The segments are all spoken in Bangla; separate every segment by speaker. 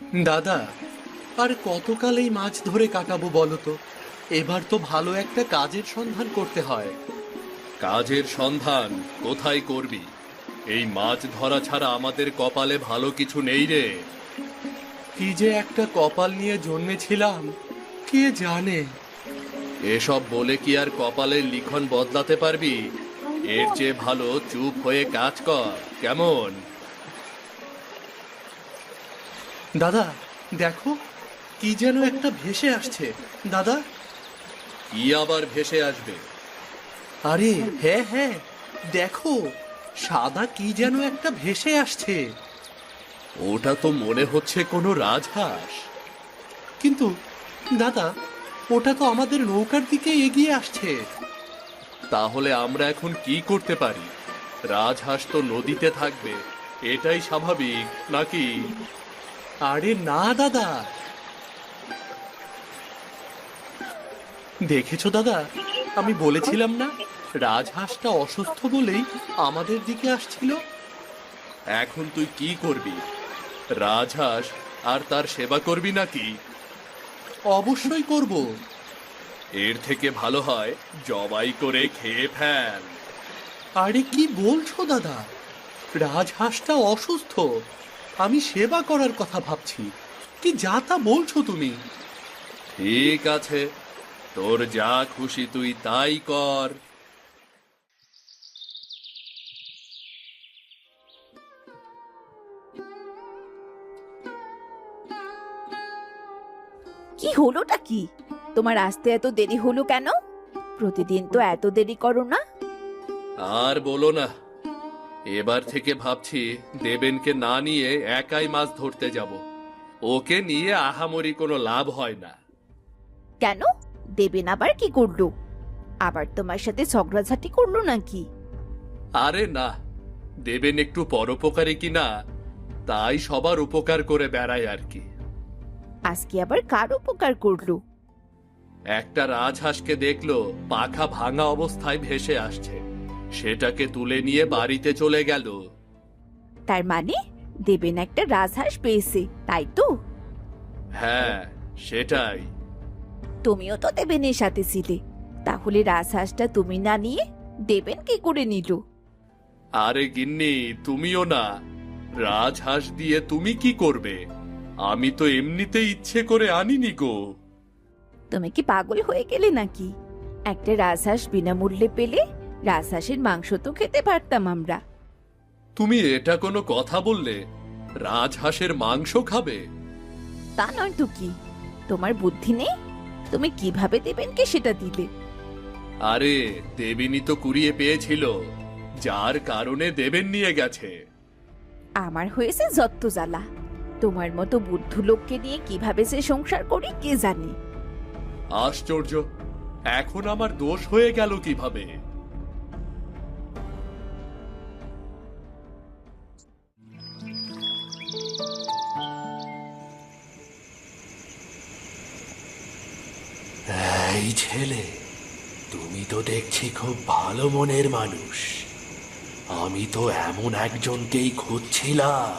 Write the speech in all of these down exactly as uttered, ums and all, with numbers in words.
Speaker 1: দাদা, আর কতকাল এই মাছ ধরে কাটাবো বলো তো? এবার তো ভালো একটা কাজের সন্ধান করতে হয়।
Speaker 2: কাজের সন্ধান কোথায় করবি? এই মাছ ধরা ছাড়া আমাদের কপালে ভালো কিছু নেই রে।
Speaker 1: কি যে একটা কপাল নিয়ে জন্মেছিলাম, কে জানে।
Speaker 2: এসব বলে কি আর কপালের লিখন বদলাতে পারবি? এর চেয়ে ভালো চুপ হয়ে কাজ কর, কেমন?
Speaker 1: দাদা দেখো, কি যেন একটা ভেসে আসছে। দাদা,
Speaker 2: কি আবার ভেসে আসবে?
Speaker 1: আরে হ্যাঁ হ্যাঁ, দেখো, সাদা কি যেন একটা ভেসে আসছে।
Speaker 2: ওটা তো মনে হচ্ছে কোনো রাজহাঁস।
Speaker 1: কিন্তু দাদা, ওটা তো আমাদের নৌকার দিকে এগিয়ে আসছে।
Speaker 2: তাহলে আমরা এখন কি করতে পারি? রাজহাঁস তো নদীতে থাকবে, এটাই স্বাভাবিক নাকি?
Speaker 1: আরে না দাদা, দেখেছো দাদা, আমি বলেছিলাম না, রাজহাঁসটা অসুস্থ বলেই আমাদের দিকে আসছিল।
Speaker 2: এখন তুই কি করবি? রাজহাঁস আর তার সেবা করবি নাকি?
Speaker 1: অবশ্যই করব।
Speaker 2: এর থেকে ভালো হয় জবাই করে খেয়ে ফেল।
Speaker 1: আরে কি বলছো দাদা, রাজহাঁসটা অসুস্থ, আমি সেবা করার কথা ভাবছি। কি যা তা বলছো তুমি?
Speaker 2: ঠিক আছে, তোর যা খুশি তুই তাই কর।
Speaker 3: কি হলোটা কি? তোমার আসতে এত দেরি হলো কেন? প্রতিদিন তো এত দেরি করো না।
Speaker 2: আর বলো না, এবার থেকে ভাবছি দেবেনকে না নিয়ে একাই মাছ ধরতে যাব। ওকে নিয়ে আহামরি কোনো লাভ হয় না।
Speaker 3: কেন? দেবেন আবার কি করলো? আবার তোমার সাথে ঝগড়াঝাটি করলো নাকি?
Speaker 2: আরে না, দেবেন একটু পরোপকারী কিনা, তাই সবার উপকার করে বেড়ায় আর কি।
Speaker 3: আজকে আবার কার উপকার করলো?
Speaker 2: একটা রাজহাঁসকে দেখলো পাখা ভাঙা অবস্থায় ভেসে আসছে, সেটাকে তুলে নিয়ে বাড়িতে চলে গেল।
Speaker 3: তার মানে দেবেন একটা রাজহাঁস পেয়েছে, তাই তো?
Speaker 2: হ্যাঁ, সেটাই।
Speaker 3: তুমিও তো দেবেনের সাথে ছিলে, তাহলে রাজহাঁসটা তুমি না নিয়ে দেবেন কি করে নিল?
Speaker 2: আরে গিন্নি, তুমিও না, রাজহাঁস দিয়ে তুমি কি করবে? আমি তো এমনিতে ইচ্ছে করে আনিনি গো।
Speaker 3: তুমি কি পাগল হয়ে গেলে নাকি? একটা রাজহাঁস বিনামূল্যে পেলে রাজহাঁসের মাংস তো খেতে পারতাম আমরা।
Speaker 2: তুমি এটা কোনো কথা বললে? রাজহাঁসের মাংস খাবে?
Speaker 3: তা নয় তো কি, তোমার বুদ্ধি নেই? তুমি কিভাবে দেবেনকে সেটা দিলে?
Speaker 2: আরে দেবিনী তো কুড়িয়ে পেয়েছিল, যার কারণে দেবেন নিয়ে গেছে।
Speaker 3: আমার হয়েছে যত্ত জ্বালা। তোমার মতো বুদ্ধ লোককে নিয়ে কিভাবে সে সংসার করি কে জানে।
Speaker 2: আশ্চর্য, এখন আমার দোষ হয়ে গেল কিভাবে?
Speaker 4: এই ছেলে, তুমি তো দেখছি খুব ভালো মনের মানুষ। আমি তো এমন একজনকেই খুঁজছিলাম।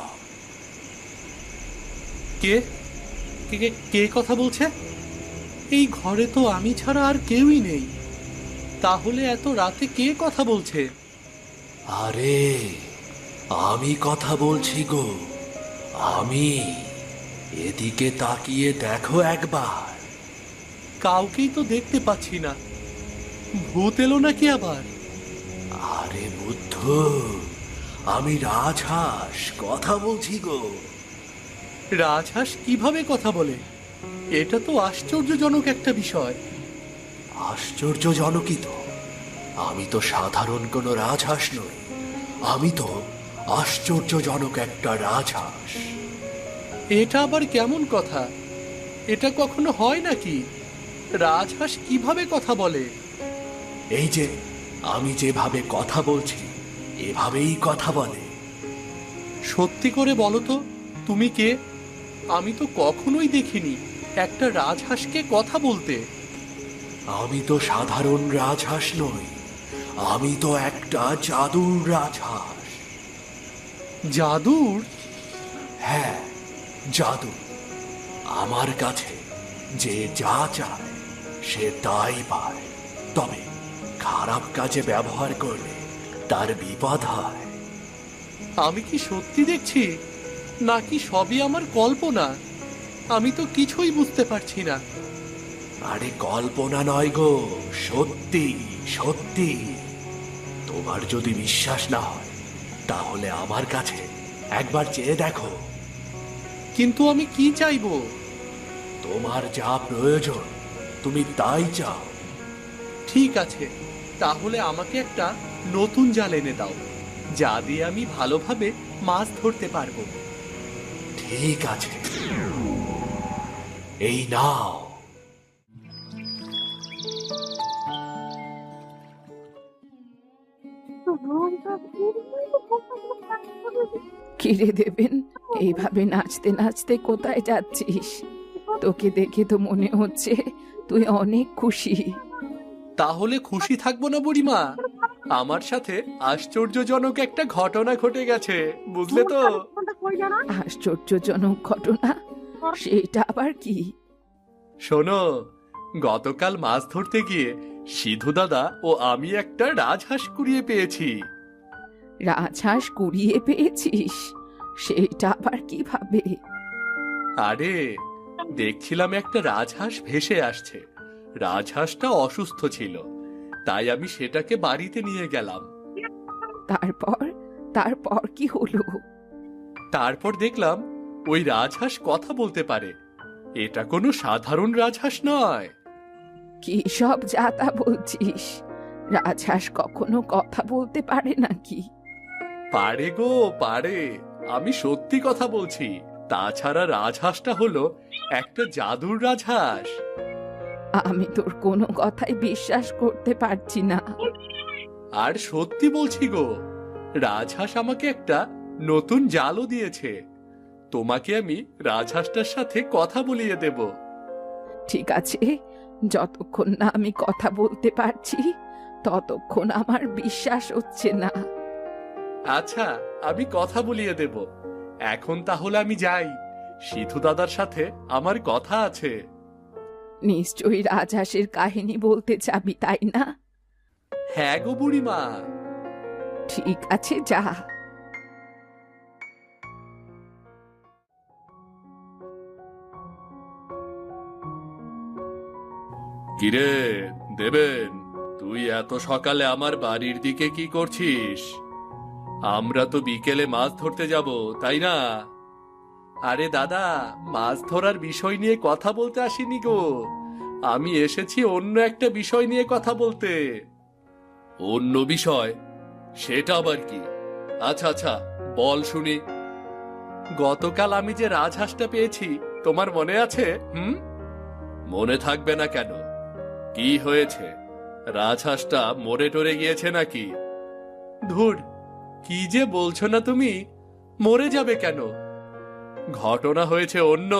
Speaker 1: কে কে কে- কে কথা বলছে? এই ঘরে তো আমি ছাড়া আর কেউই নেই। তাহলে এত রাতে কে কথা বলছে?
Speaker 4: আরে, আমি কথা বলছি গো, আমি। এদিকে তাকিয়ে দেখো একবার।
Speaker 1: কাউকেই তো দেখতে পাচ্ছি না। ভূত এলো নাকি আবার?
Speaker 4: আরে বুদ্ধ, আমি রাজহাঁস কথা বলছি গো।
Speaker 1: রাজহাঁস কিভাবে কথা বলে? এটা তো আশ্চর্যজনক একটা বিষয়।
Speaker 4: আশ্চর্যজনকই তো। আমি তো সাধারণ কোনো রাজহাঁস নই, আমি তো আশ্চর্যজনক একটা রাজহাঁস।
Speaker 1: এটা আবার কেমন কথা? এটা কখনো হয় নাকি? রাজহাঁস কিভাবে কথা বলে?
Speaker 4: এই যে আমি যেভাবে কথা বলছি, এভাবেই কথা বলে।
Speaker 1: সত্যি করে বলো তো, তুমি কে? আমি তো কখনোই দেখিনি একটা রাজহাঁসকে কথা বলতে।
Speaker 4: আমি তো সাধারণ রাজহাঁস নই, আমি তো একটা জাদুর রাজহাঁস।
Speaker 1: জাদুর?
Speaker 4: হ্যাঁ, জাদু। আমার কাছে যে যা চায় সে তাই পায়, তবে খারাপ কাজে ব্যবহার করলে তার বিপদ হয়।
Speaker 1: আমি কি সত্যি দেখছি নাকি সবই আমার কল্পনা? আমি তো কিছুই বুঝতে পারছি না।
Speaker 4: আরে কল্পনা নয় গো, সত্যি সত্যি। তোমার যদি বিশ্বাস না হয় তাহলে আমার কাছে একবার চেয়ে দেখো।
Speaker 1: কিন্তু আমি কি চাইবো?
Speaker 4: তোমার যা প্রয়োজন তুমি তাই চাও।
Speaker 1: ঠিক আছে, তাহলে আমাকে একটা নতুন জাল এনে দাও, যা দিয়ে আমি ভালোভাবে মাছ ধরতে পারবো।
Speaker 4: ঠিক আছে, এই নাও।
Speaker 3: কিরে দেবেন, এইভাবে নাচতে নাচতে কোথায় যাচ্ছিস? তোকে দেখে তো মনে হচ্ছে তুই অনেক খুশি।
Speaker 1: তাহলে খুশি থাকবো না বুড়িমা? আমার সাথে আশ্চর্যজনক একটা ঘটনা ঘটে গেছে, বুঝলে তো?
Speaker 3: আশ্চর্যজনক ঘটনা? সেটা আবার কি?
Speaker 1: শোনো, গতকাল মাছ ধরতে গিয়ে সিধু দাদা ও আমি একটা রাজহাঁস কুড়িয়ে পেয়েছি।
Speaker 3: রাজহাঁস কুড়িয়ে পেয়েছিস? সেটা আবার কিভাবে?
Speaker 1: আরে, দেখছিলাম একটা রাজহাঁস ভেসে আসছে। রাজহাঁসটা অসুস্থ ছিল, তাই আমি সেটাকে বাড়িতে নিয়ে গেলাম।
Speaker 3: তারপর তারপর কি হলো?
Speaker 1: তারপর দেখলাম ওই রাজহাঁস কথা বলতে পারে। এটা কোনো সাধারণ রাজহাঁস নয়।
Speaker 3: কি সব যাতা বলছিস? রাজহাঁস কখনো কথা বলতে পারে নাকি?
Speaker 1: পারে গো, পারে। আমি সত্যি কথা বলছি। তাছাড়া রাজহাঁসটা হলো একটা জাদুর রাজহাঁস।
Speaker 3: আমি তোর কোনো কথাই বিশ্বাস করতে পারছি না।
Speaker 1: আর সত্যি বলছি গো, রাজহাঁস আমাকে একটা নতুন জালও দিয়েছে। তোমাকে আমি রাজহাঁসটার সাথে কথা বলিয়ে দেব।
Speaker 3: ঠিক আছে, যতক্ষণ না আমি কথা বলতে পারছি ততক্ষণ আমার বিশ্বাস হচ্ছে না।
Speaker 1: আচ্ছা, আমি কথা বলিয়ে দেব। এখন তাহলে আমি যাই। সিধু দাদার সাথে আমার কথা আছে।
Speaker 3: নিশ্চয়ই রাজহাঁসের কাহিনী বলতে চাবি, তাই না?
Speaker 1: হ্যাঁ গো বুড়িমা।
Speaker 3: ঠিক আছে, যা।
Speaker 2: কিরে দেবেন, তুই এত সকালে আমার বাড়ির দিকে কি করছিস? আমরা তো বিকেলে মাছ ধরতে যাব, তাই না?
Speaker 1: আরে দাদা, মাছ ধরার বিষয় নিয়ে কথা বলতে আসিনি গো। আমি এসেছি অন্য একটা বিষয় নিয়ে কথা বলতে।
Speaker 2: অন্য বিষয়? সেটা আবার কি? আচ্ছা আচ্ছা, বল শুনি।
Speaker 1: গতকাল আমি যে রাজহাঁসটা পেয়েছি, তোমার মনে আছে? হুম?
Speaker 2: মনে থাকবে না কেন? কি হয়েছে? রাজহাঁসটা মরে টরে গিয়েছে নাকি?
Speaker 1: ধুর, কি যে বলছো না তুমি! মরে যাবে কেন?
Speaker 2: ঘটনা হয়েছে অন্য।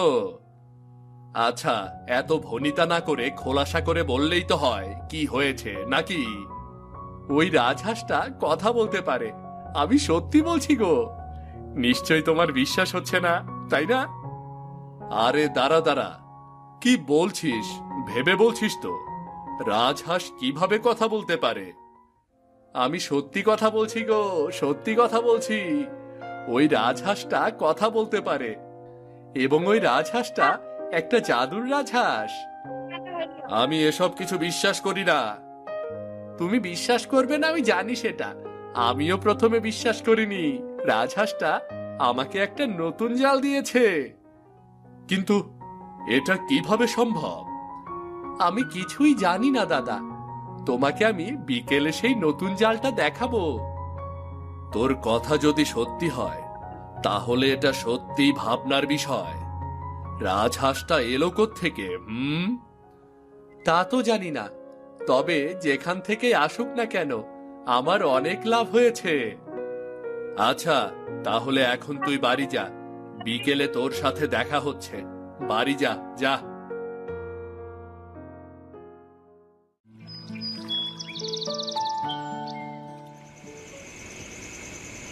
Speaker 2: আচ্ছা, এত ভনিতা না করে খোলাসা করে বললেই তো হয় কি হয়েছে, নাকি?
Speaker 1: ওই রাজহাঁসটা কথা বলতে পারে। আমি সত্যি বলছি গো। নিশ্চয় তোমার বিশ্বাস হচ্ছে না, তাই না?
Speaker 2: আরে দাঁড়া দাঁড়া, কি বলছিস? ভেবে বলছিস তো? রাজহাঁস কিভাবে কথা বলতে পারে?
Speaker 1: আমি সত্যি কথা বলছি গো, সত্যি কথা বলছি। ওই রাজহাঁসটা কথা বলতে পারে, এবং ওই রাজহাঁসটা একটা জাদুর রাজহাঁস।
Speaker 2: আমি এসব কিছু বিশ্বাস করি না।
Speaker 1: তুমি বিশ্বাস করবে না আমি জানি সেটা। আমিও প্রথমে বিশ্বাস করিনি। রাজহাঁসটা আমাকে একটা নতুন জাল দিয়েছে।
Speaker 2: কিন্তু এটা কিভাবে সম্ভব?
Speaker 1: আমি কিছুই জানি না দাদা। তোমাকে আমি বিকেলে সেই নতুন জালটা দেখাবো।
Speaker 2: তোর কথা যদি সত্যি হয় তাহলে এটা সত্যি ভাবনার বিষয়। রাজহাঁসটা এলো কোত্থেকে? হুম?
Speaker 1: তা তো জানি না, তবে যেখান থেকে আসুক না কেন আমার অনেক লাভ হয়েছে।
Speaker 2: আচ্ছা, তাহলে এখন তুই বাড়ি যা। বিকেলে তোর সাথে দেখা হচ্ছে। বাড়ি যা, যা।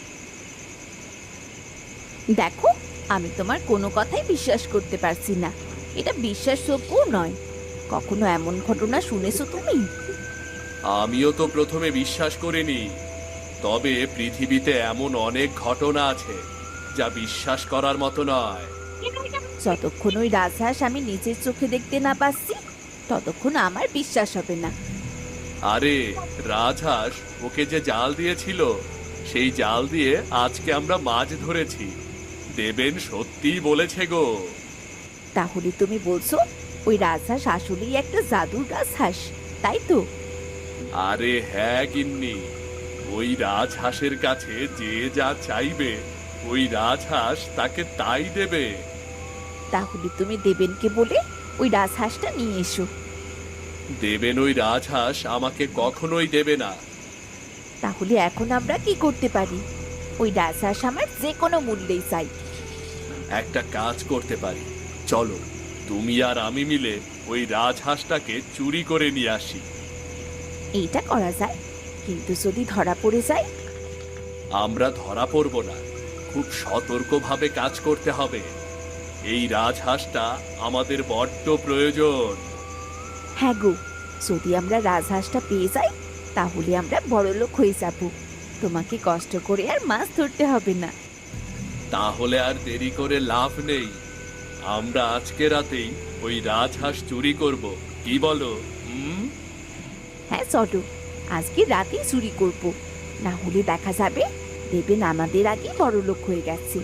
Speaker 3: দেখো, আমি তোমার কোনো কথাই বিশ্বাস করতে পারছি না।
Speaker 5: এটা বিশ্বাসযোগ্য নয়। কখনো এমন ঘটনা শুনেছো তুমি?
Speaker 2: আমিও তো প্রথমে বিশ্বাস করিনি, তবে পৃথিবীতে এমন অনেক ঘটনা আছে যা বিশ্বাস করার মতো নয়।
Speaker 5: যতক্ষণ ওই রাজহাঁস আমি নিজের চোখে দেখতে না পাচ্ছি ততক্ষণ আমার বিশ্বাস হবে না।
Speaker 2: আরে রাজহাঁস ওকে যে জাল দিয়েছিল, সেই জাল দিয়ে আজকে আমরা মাছ ধরেছি। দেবেন সত্যিই বলেছে গো।
Speaker 5: তাহলে তুমি বলছো ওই রাজহাঁস আসলেই একটা জাদুর রাজহাঁস, তাই তো?
Speaker 2: আরে হ্যাঁ গিন্নি, ওই রাজহাঁসের কাছে যে যা চাইবে ওই রাজহাঁস তাকে তাই দেবে।
Speaker 5: তাহলে তুমি দেবেনকে বলে ওই রাজহাঁসটা নিয়ে এসো।
Speaker 2: দেবেন ওই রাজহাঁস আমাকে কখনোই দেবে না।
Speaker 5: তাহলে এখন আমরা কি করতে পারি? ওই রাজহাঁস আমার যে কোনো মূল্যেই চাই।
Speaker 2: একটা কাজ করতে পারি, চলো তুমি আর আমি মিলে ওই রাজহাঁসটাকে চুরি করে নিয়ে আসি।
Speaker 5: এইটা করা যায়, কিন্তু যদি ধরা পড়ে যায়?
Speaker 2: আমরা ধরা পড়ব না, খুব সতর্কভাবে কাজ করতে হবে। এই রাজহাঁসটা আমাদের বড্ড প্রয়োজন।
Speaker 5: হ্যাঁ গো, যদি আমরা রাজহাঁসটা পেয়ে যাই তাহলে আমরা বড়লোক হয়ে যাব। তোমাকে কষ্ট করে আর মাছ ধরতে হবে না।
Speaker 2: তাহলে আর দেরি করে লাভ নেই, আমরা আজকে রাতেই ওই রাজহাঁস চুরি করব, কি বলো? হুম,
Speaker 5: হ্যাঁ চলো, আজকে রাতেই চুরি করব, না হলে দেখা যাবে দেবেন আমাদের আগে বড়লোক হয়ে গেছে।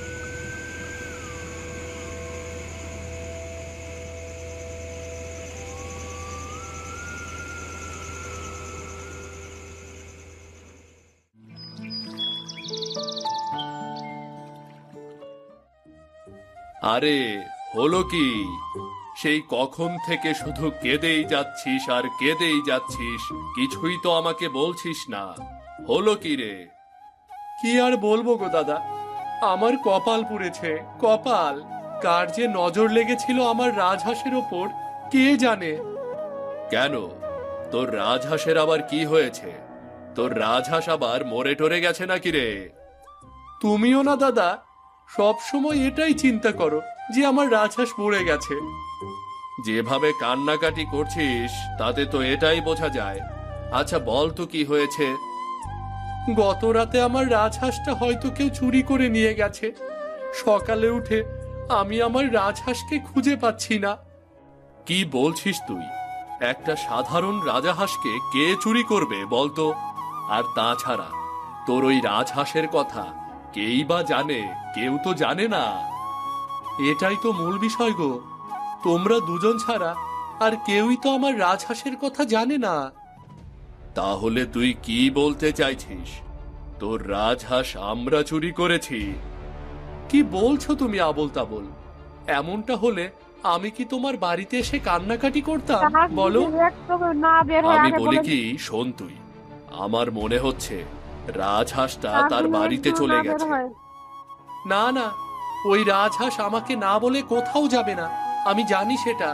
Speaker 2: আরে হলো কি? সেই কখন থেকে শুধু কেঁদেই যাচ্ছিস আর কেঁদেই যাচ্ছিস, কিছুই তো আমাকে বলছিস না। হলো কি রে?
Speaker 1: কি আর বলবো গো দাদা, আমার কপাল পুড়েছে, কপাল। কার যে নজর লেগেছিল আমার রাজহাঁসের ওপর কে জানে।
Speaker 2: কেন, তোর রাজহাঁসের আবার কি হয়েছে? তোর রাজহাঁস আবার মরে টরে গেছে নাকি রে?
Speaker 1: তুমিও না দাদা, সব সময় এটাই চিন্তা করো যে আমার রাজহাঁস মরে গেছে।
Speaker 2: যেভাবে কান্নাকাটি করছিস তাতে তো এটাই বোঝা যায়। আচ্ছা বল তো কি হয়েছে?
Speaker 1: গত রাতে আমার রাজহাঁসটা হয়তো কেউ চুরি করে নিয়ে গেছে। সকালে উঠে আমি আমার রাজহাঁসকে খুঁজে পাচ্ছি না।
Speaker 2: কি বলছিস তুই? একটা সাধারণ রাজহাঁসকে কে চুরি করবে বলতো? আর তাছাড়া তোর ওই রাজহাঁসের কথা কেই বা জানে? কেউ তো জানে না।
Speaker 1: এটাই তো মূল বিষয় গো, তোমরা দুজন ছাড়া আর কেউই তো আমার রাজহাঁসের কথা জানে না।
Speaker 2: তাহলে তুই কি বলতে চাইছিস? তোর রাজহাঁস আমরা চুরি করেছি?
Speaker 1: কি বলছো তুমি আবোল তাবোল? এমনটা হলে আমি কি তোমার বাড়িতে এসে কান্নাকাটি করতাম বলো?
Speaker 2: আমি বলি কি, শোন তুই, আমার মনে হচ্ছে রাজহাঁসটা তার বাড়িতে চলে গেছে।
Speaker 1: না না, ওই রাজহাঁস আমাকে না বলে কোথাও যাবে না, আমি জানি সেটা।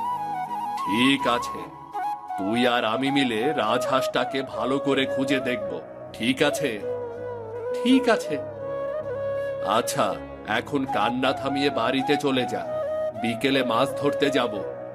Speaker 2: ঠিক আছে, তুই আর আমি মিলে রাজহাঁসটাকে ভালো করে খুঁজে দেখব, ঠিক আছে?
Speaker 1: ঠিক আছে।
Speaker 2: আচ্ছা, এখন কান্না থামিয়ে বাড়িতে চলে যা, বিকেলে মাছ ধরতে যাব।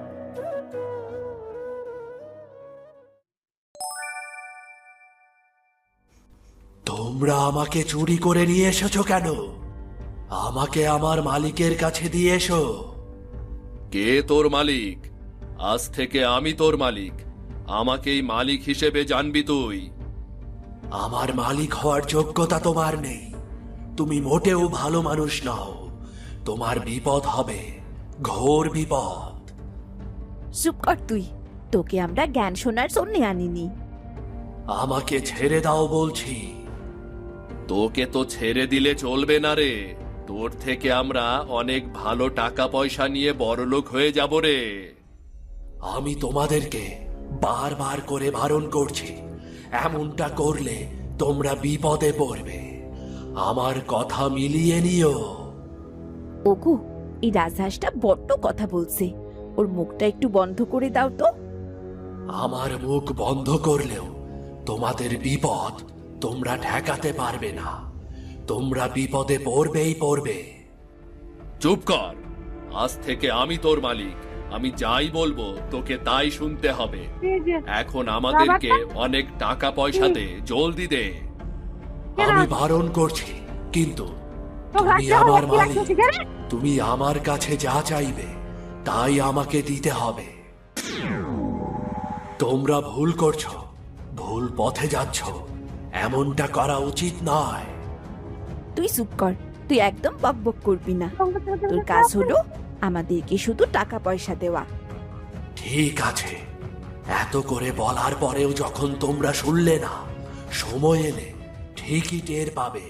Speaker 4: তোমরা আমাকে চুরি করে নিয়ে এসেছো কেন? আমাকে আমার মালিকের কাছে দিয়ে এসো।
Speaker 2: কে তোর মালিক? আজ থেকে আমি তোর মালিক, আমাকেই মালিক হিসেবে জানবি তুই।
Speaker 4: আমার মালিক হওয়ার যোগ্যতা তোমার নেই। তুমি মোটেও ভালো মানুষ নও। তোমার বিপদ হবে, ঘোর বিপদ।
Speaker 5: চুপ কর তুই, তোকে আমরা জ্ঞান শোনার জন্য আনিনি।
Speaker 4: আমাকে ছেড়ে দাও বলছি।
Speaker 2: তোকে তো ছেড়ে দিলে চলবে না রে, তোর থেকে আমরা অনেক ভালো টাকা পয়সা নিয়ে বড়লোক হয়ে যাব রে।
Speaker 4: আমি তোমাদেরকে বারবার করে বারণ করছি, এমনটা করলে তোমরা বিপদে পড়বে। আমার কথা মিলিয়ে নিও।
Speaker 5: ওগো, এই রাজহাঁসটা বড্ড কথা বলছে, ওর মুখটা একটু বন্ধ করে দাও তো।
Speaker 4: আমার মুখ বন্ধ করলেও তোমাদের বিপদ তোমরা ঠেকাতে পারবে না। তোমরা বিপদে পড়বেই পড়বে।
Speaker 2: চুপ কর, আজ থেকে আমি তোর মালিক। আমি যাই বলবো তোকে তাই শুনতে হবে। এখন আমাদেরকে অনেক টাকা পয়সা দে, জলদি দে।
Speaker 4: আমি বারণ করছি, কিন্তু তুমি আমার মালিক, তুমি আমার কাছে যা চাইবে তাই আমাকে দিতে হবে। তোমরা ভুল করছো, ভুল পথে যাচ্ছ, এমনটা করা উচিত নয়।
Speaker 5: তুই চুপ কর, তুই একদম বকবক করবি না। তোর কাজ হলো আমাদেরকে শুধু টাকা পয়সা দেওয়া।
Speaker 4: ঠিক আছে, এত করে বলার পরেও যখন তোমরা শুনলে না, সময় এলে ঠিকই টের পাবে।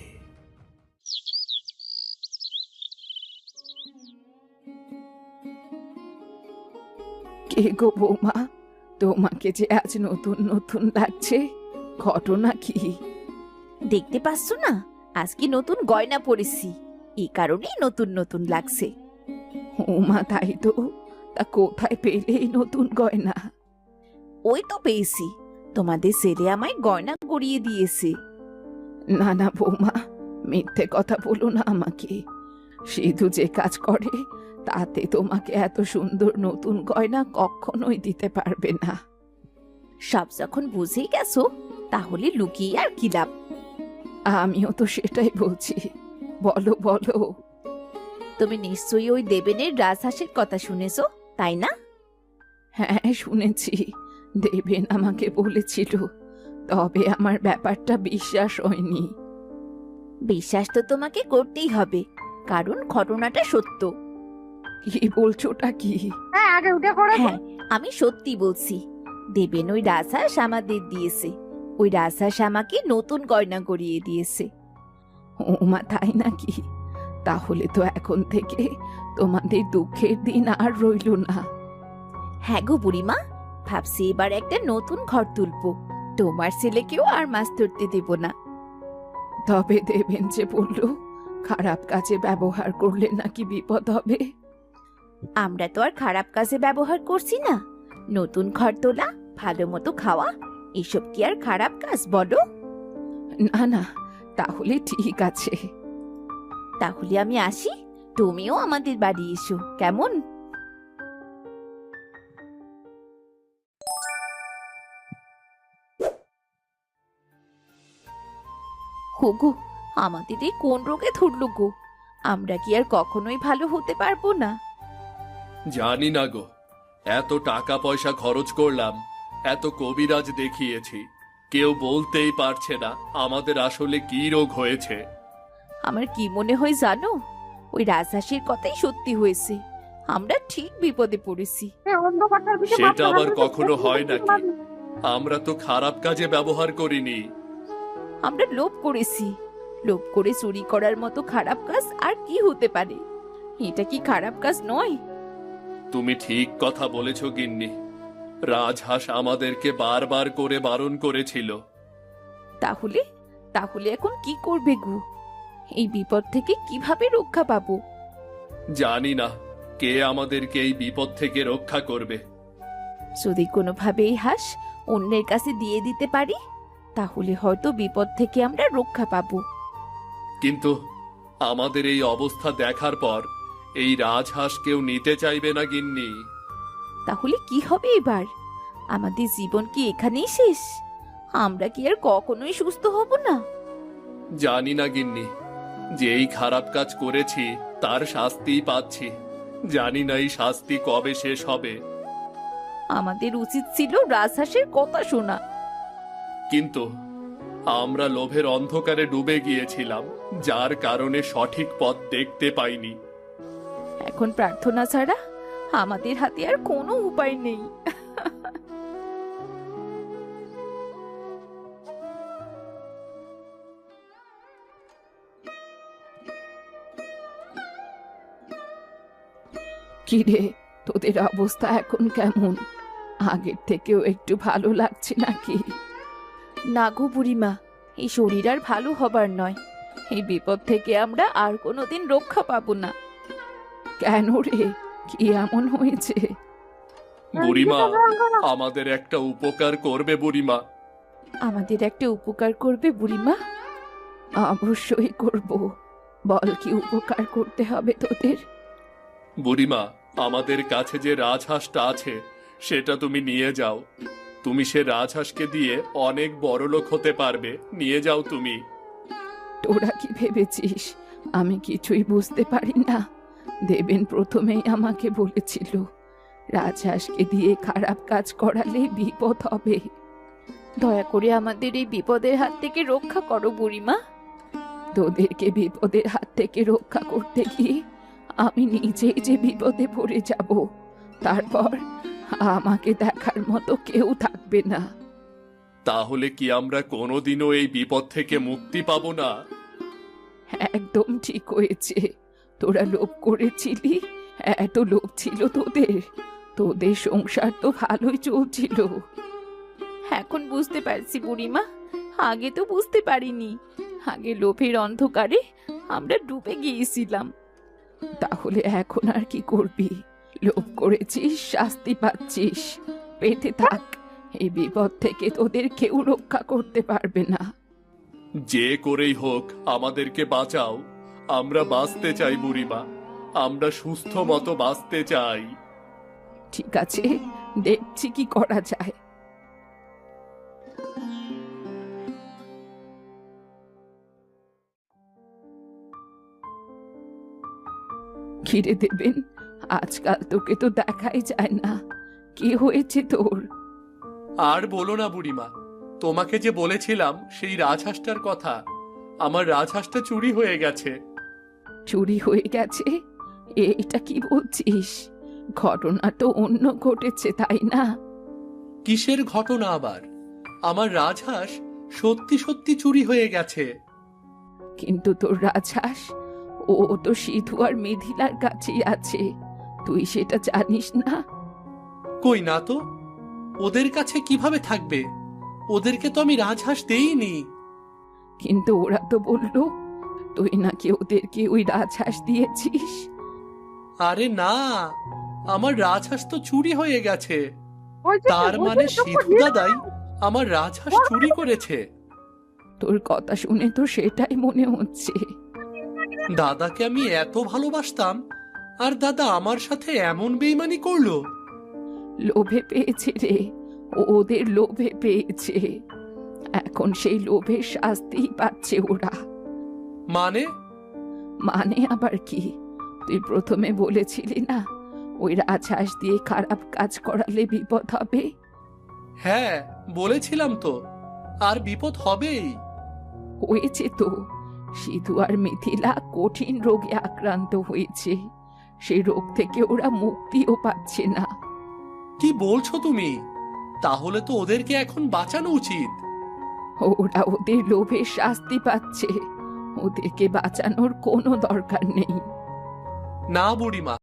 Speaker 3: কে গো বৌমা, তোমাকে যে আজ নতুন নতুন লাগছে, ঘটনা কি?
Speaker 5: দেখতে পাচ্ছ না, আজকে নতুন গয়না পরেছি, এই কারণেই নতুন নতুন লাগছে।
Speaker 3: ওমা তাই তো, তা কোথায় পেলে এই নতুন গয়না?
Speaker 5: ওই তো পেয়েছি, তোমাদের ছেলে আমায় গয়না গড়িয়ে দিয়েছে।
Speaker 3: না না বৌমা, মিথ্যে কথা বলো না আমাকে। সিধু যে কাজ করে তাতে তোমাকে এত সুন্দর নতুন গয়না কখনোই দিতে পারবে না।
Speaker 5: সব যখন বুঝেই গেছো, তাহলে লুকিয়ে আর কি লাভ?
Speaker 3: আমিও তো সেটাই বলছি, বলো বলো।
Speaker 5: তুমি নিশ্চয়ই ওই দেবেনের রাজহাঁসের কথা শুনেছো, তাই না?
Speaker 3: হ্যাঁ শুনেছি, দেবেন আমাকে বলেছিল, তবে আমার ব্যাপারটা বিশ্বাস হয়নি।
Speaker 5: বিশ্বাস তো তোমাকে করতেই হবে, কারণ ঘটনাটা সত্য।
Speaker 3: কি বলছোটা কি?
Speaker 5: হ্যাঁ, আমি সত্যি বলছি। দেবেন ওই রাজহাঁস আমাদের দিয়েছে, ওই রাজহাঁস আমাকে নতুন গয়না গড়িয়ে দিয়েছে।
Speaker 3: ওমা তাই নাকি? তাহলে তো এখন থেকে তোমাদের দুঃখের দিন আর রইল না।
Speaker 5: হ্যাঁ গো বুড়িমা, ভাবছি এবার একটা নতুন ঘর তুলবো, তোমার ছেলেকেও আর মাছ ধরতে দেব না।
Speaker 3: তবে দেবেন যে বলল খারাপ কাজে ব্যবহার করলে নাকি বিপদ হবে।
Speaker 5: আমরা তো আর খারাপ কাজে ব্যবহার করছি না। নতুন ঘর তোলা, ভালো মতো খাওয়া, এসব কি আর খারাপ কাজ বলো?
Speaker 3: না না, তাহলে ঠিক আছে।
Speaker 5: তাহলে আমি আসি, তুমিও আমাদের বাড়ি এসো, কেমন? হোগো, আমাদের এই কোন রোগে ধরলো গো? আমরা কি আর কখনোই ভালো হতে পারবো না?
Speaker 2: জানি না গো, এত টাকা পয়সা খরচ করলাম, এত কবিরাজ দেখিয়েছি, কেউ বলতেই পারছে না আমাদের আসলে কি রোগ হয়েছে।
Speaker 5: আমার কি মনে হয় জানো, ওই রাজহাঁসের কথাই সত্যি হয়েছে, আমরা ঠিক বিপদে পড়েছি।
Speaker 2: সেটা আবার কখনো হয় নাকি? আমরা তো খারাপ কাজে ব্যবহার করিনি।
Speaker 5: আমরা লোভ করেছি, লোভ করে চুরি করার মতো খারাপ কাজ আর কি হতে পারে? এটা কি খারাপ কাজ নয়?
Speaker 2: তুমি ঠিক কথা বলেছ গিন্নি, রাজহাঁস আমাদেরকে বারবার করে বারণ করেছিল।
Speaker 5: তাহলে তাহলে এখন কি করবে গো? এই বিপদ থেকে কিভাবে রক্ষা পাবো?
Speaker 2: জানি না কে আমাদেরকে এই বিপদ থেকে রক্ষা করবে।
Speaker 5: যদি কোনোভাবে এই হাঁস অন্যের কাছে দিয়ে দিতে পারি, তাহলে হয়তো বিপদ থেকে আমরা রক্ষা পাবো।
Speaker 2: কিন্তু আমাদের এই অবস্থা দেখার পর এই রাজহাঁস কেউ নিতে চাইবে না গিন্নি।
Speaker 5: তাহলে কি হবে এবার? আমাদের জীবন কি এখানেই শেষ? আমরা কি আর কখনোই সুস্থ হব না?
Speaker 2: জানি না গিন্নি, যেই খারাপ কাজ করেছি তার শাস্তিই পাচ্ছি। জানি না এই শাস্তি কবে শেষ হবে।
Speaker 5: আমাদের উচিত ছিল রাজহাঁসের কথা শোনা।
Speaker 2: কিন্তু আমরা লোভের অন্ধকারে ডুবে গিয়েছিলাম, যার কারণে সঠিক পথ দেখতে পাইনি।
Speaker 5: এখন প্রার্থনা ছাড়া আমাদের হাতে আর কোনো উপায় নেই।
Speaker 3: কিরে, তোদের অবস্থা এখন কেমন? আগের থেকেও একটু ভালো লাগছে নাকি?
Speaker 5: না গো বুড়িমা, এই শরীর আর ভালো হবার নয়। এই বিপদ থেকে আমরা আর কোনোদিন রক্ষা পাবো না।
Speaker 3: কেন রে, কি এমন হয়েছে?
Speaker 2: বুড়িমা, আমাদের একটা উপকার করবে বুড়িমা?
Speaker 5: আমাদের একটা উপকার করবে বুড়িমা?
Speaker 3: অবশ্যই করব, বল কি উপকার করতে হবে তোদের?
Speaker 2: বুড়িমা, আমাদের কাছে যে রাজহাঁসটা আছে সেটা তুমি নিয়ে যাও। তুমি সে রাজহাঁসকে দিয়ে অনেক বড় লোক হতে পারবে, নিয়ে যাও তুমি।
Speaker 3: তোরা কি ভেবেছিস আমি কিছুই বুঝতে পারি না? দেবেন প্রথমেই আমাকে বলেছিল রাজহাঁসকে দিয়ে খারাপ কাজ করালে বিপদ হবে।
Speaker 5: দয়া করে আমাদের এই বিপদের হাত থেকে রক্ষা করো বুড়িমা।
Speaker 3: তোদেরকে বিপদের হাত থেকে রক্ষা করতে গিয়ে আমি নিজেই যে বিপদে পড়ে যাব, তারপর আমাকে দেখার মতো কেউ থাকবে না।
Speaker 2: তাহলে কি আমরা কোনোদিনও এই বিপদ থেকে মুক্তি পাবো না?
Speaker 3: একদম ঠিক হয়েছে। তোরা লোভ করেছিলি, এত লোভ ছিল তোদের। তোদের সংসার তো ভালোই চলছিল।
Speaker 5: এখন বুঝতে পারছি বুড়িমা, আগে তো বুঝতে পারিনি। আগে লোভের অন্ধকারে আমরা ডুবে গিয়েছিলাম।
Speaker 3: তাহলে এখন আর কি করবি? লোভ করেছিস, শাস্তি পাচ্ছিস, পেতে থাক। এই বিপদ থেকে তোদের কেউ রক্ষা করতে পারবে না।
Speaker 2: যে করেই হোক আমাদেরকে বাঁচাও। আমরা বাঁচতে চাই বুড়িমা, আমরা সুস্থ মতো বাঁচতে চাই।
Speaker 3: ঠিক আছে, দেখছি কি করা যায়। ঘিরে দেবেন, আজকাল তোকে তো দেখাই যায় না। কি হয়েছে তোর?
Speaker 1: আর বলো না বুড়িমা, তোমাকে যে বলেছিলাম সেই রাজহাঁসটার কথা, আমার রাজহাঁসটা চুরি হয়ে গেছে।
Speaker 3: চুরি হয়ে গেছে? এটা কি বলছিস? ঘটনা তো অন্য ঘটেছে, তাই না?
Speaker 1: কিসের ঘটনা আবার? আমার রাজহাঁস সত্যি সত্যি চুরি হয়ে গেছে।
Speaker 3: কিন্তু তোর রাজহাঁস, ও তো সিধু আর মিথিলার কাছেই আছে। তুই সেটা জানিস না?
Speaker 1: কই না তো, ওদের কাছে কিভাবে থাকবে? ওদেরকে তো আমি রাজহাঁস দেইনি।
Speaker 3: কিন্তু ওরা তো বলল তুই নাকি ওদেরকে ওই রাজহাঁস দিয়েছিস।
Speaker 1: আরে না, আমার রাজহাঁস তো চুরি হয়ে গেছে। তার মানে সিধু দাদাই আমার রাজহাঁস চুরি করেছে।
Speaker 3: তোর কথা শুনে তো সেটাই মনে হচ্ছে।
Speaker 1: দাদাকে আমি এত ভালোবাসতাম, আর দাদা আমার সাথে এমন বেইমানি করলো।
Speaker 3: লোভে পেয়েছে রে, ও ওদের লোভে পেয়েছে। এখন সেই লোভের শাস্তি পাচ্ছে ওরা।
Speaker 1: মানে?
Speaker 3: মানে আবার কি? তুই প্রথমে বলেছিলি না ওই রাজহাঁস দিয়ে খারাপ কাজ করালে বিপদ হবে?
Speaker 1: হ্যাঁ বলেছিলাম তো, আর বিপদ হবেই।
Speaker 3: হয়েছে তো। সিধু আর মিথিলা কঠিন রোগে আক্রান্ত হয়েছে। সেই রোগ থেকে ওরা মুক্তিও পাচ্ছে না।
Speaker 1: কি বলছো তুমি? তাহলে তো ওদেরকে এখন বাঁচানো উচিত।
Speaker 3: ওরা ওদের লোভের শাস্তি পাচ্ছে, ওদেরকে বাঁচানোর কোনো দরকার নেই।
Speaker 1: না বুড়িমা,